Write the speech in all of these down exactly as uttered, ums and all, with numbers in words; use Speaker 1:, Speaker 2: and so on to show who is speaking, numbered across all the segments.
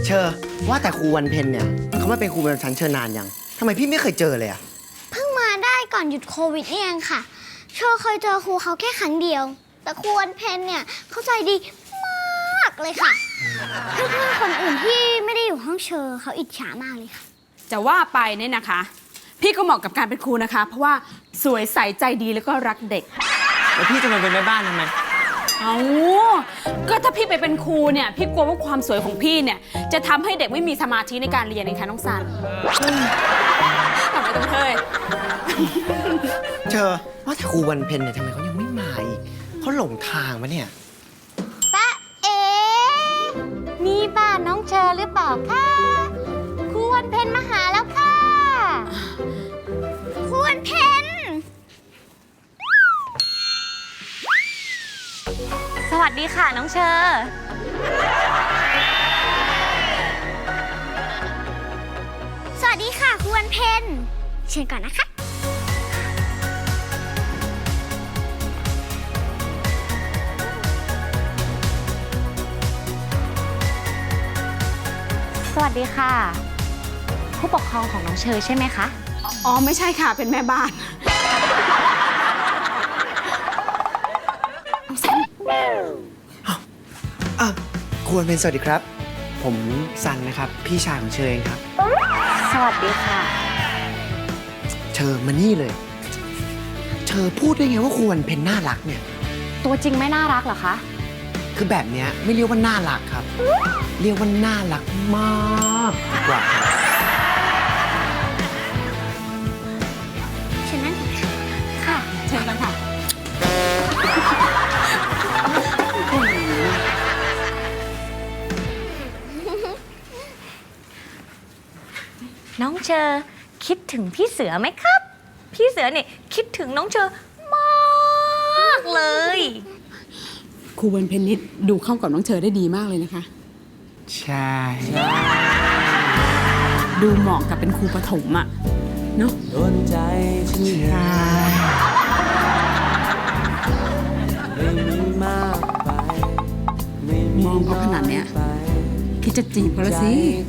Speaker 1: เชอว่าแต่ครูวันเพ็ญเนี่ยเขามาเป็นครูประจำชั้นเชอนานยังทำไมพี่ไม่เคยเจอเลยอะ
Speaker 2: เพิ่งมาได้ก่อนหยุดโควิดนี่เองค่ะเชอเคยเจอครูเขาแค่ครั้งเดียวแต่ครูวันเพ็ญเนี่ยเข้าใจดีมากเลยค่ะเพื่อนๆคนอื่นที่ไม่ได้อยู่ห้องเชอเขาอิจฉามากเลยค่ะ
Speaker 3: จะว่าไปเนี่ยนะคะ พี่ก็เหมาะกับการเป็นครูนะคะ เพราะว่าสวยใสใจดีแล้วก็รักเด็ก
Speaker 1: แล้วพี่จะมาเป็นแม่บ้านทำไม
Speaker 3: เอาก็ถ้าพี่ไปเป็นครูเนี่ยพี่กลัวว่าความสวยของพี่เนี่ยจะทำให้เด็กไม่มีสมาธิในการเรียนนะคะน้องซันทำไมต้องเฮ้ย
Speaker 1: เชอว่าแต่ครูวันเพ็ญเนี่ยทำไมเขายังไม่มาอีกเขาหลงทางมาเนี่ย
Speaker 2: ป้าเอ๋นี่บ้านน้องเชอหรือเปล่าคะครูวันเพ็ญมาหาแล้วค่ะครูวันเพ็ญ
Speaker 4: สวัสดีค่ะน้องเชอ
Speaker 2: สวัสดีค่ะครูวันเพ็ญเชิญก่อนนะคะ
Speaker 4: สวัสดีค่ะผู้ปกครองของน้องเชอใช่ไหมคะ
Speaker 3: อ๋อไม่ใช่ค่ะเป็นแม่บ้าน
Speaker 1: อ่ะครูวันเพ็ญสวัสดีครับผมซันนะครับพี่ชายของเชอเองครับ
Speaker 4: สวัสดีค่ะ
Speaker 1: เชอมานี่เลยเชอพูดได้ไงว่าครูวันเพ็ญน่ารักเนี่ย
Speaker 4: ตัวจริงไม่น่ารักเหรอคะ
Speaker 1: คือแบบเนี้ยไม่เรียกว่าน่ารักครับเรียกว่าน่ารักมากดีกว่า
Speaker 2: เชิญนั่ง
Speaker 4: ค่ะ
Speaker 3: เชิญกันค่ะ
Speaker 4: น้องเชอคิดถึงพี่เสือไหมครับพี่เสือเนี่ยคิดถึงน้องเชอมากเลย
Speaker 3: ครูวันเพ็ญนิดดูเข้ากับน้องเชอได้ดีมากเลยนะคะ
Speaker 1: ใช่
Speaker 3: ดูเหมาะกับเป็นครูประถมอะเนาะโดนใจฉันใช่มองเขาขนาดเนี้ยคิดจะจีบเขาแล้วสิ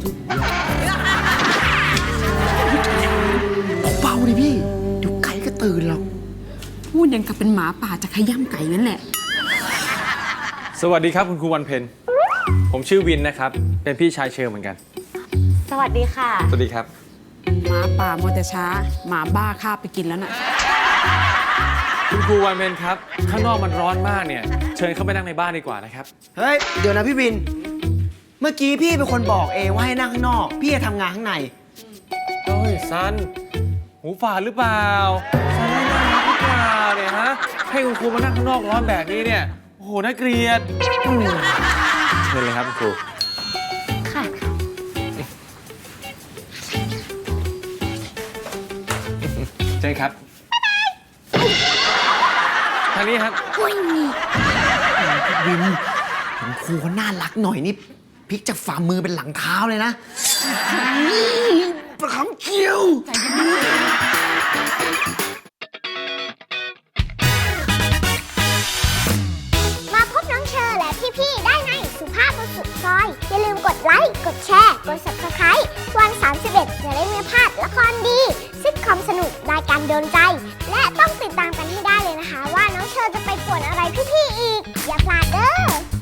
Speaker 1: เบาๆดิพี่เดี๋ยวไก่ก็ตื่นหรอก
Speaker 3: พูดยังกับเป็นหมาป่าจะขย้ำไก่นั่นแหละ
Speaker 5: สวัสดีครับคุณครูวันเพ็ญผมชื่อวินนะครับเป็นพี่ชายเชอเหมือนกัน
Speaker 4: สวัสดีค่ะ
Speaker 5: สวัสดีครับ
Speaker 3: หมาป่ามัวแต่ช้าหมาบ้าคาบไปกินแล้วน่ะ
Speaker 5: คุณครูวันเพ็ญครับข้างนอกมันร้อนมากเนี่ยเชิญเข้าไปนั่งในบ้านดีกว่านะครับ
Speaker 1: เฮ้ยเดี๋ยวนะพี่วินเมื่อกี้พี่เป็นคนบอกเองว่าให้นั่งข้างนอกพี่จะทำงานข้างใน
Speaker 5: เฮ้ยซันหูฝาดหรือเปล่าซันไม่น่ารักหรือเปล่าเนี่ยฮะให้คุณครูมานั่งข้างนอกร้อนแบบนี้เนี่ยโอ้โหน่าเกลียดเชิญเลยครับคุณครู
Speaker 4: ค่ะ
Speaker 5: เชิญครับทางนี้ครับ
Speaker 1: วินเห็นครูเขาน่ารักหน่อยนี่พลิกจากฝ่ามือเป็นหลังเท้าเลยนะประคำเคี้ยว
Speaker 2: มาพบน้องเชอและพี่ๆได้ในสุภาพบุรุษสุดซอยอย่าลืมกดไลค์กดแชร์กด ซับสไครบ์ วันสามสิบเอ็ดจะได้ไม่พลาดละครดีซิทคอมสนุกรายการโดนใจและต้องติดตามกันให้ได้เลยนะคะว่าน้องเชอจะไปป่วนอะไรพี่ๆอีกอย่าพลาดเด้อ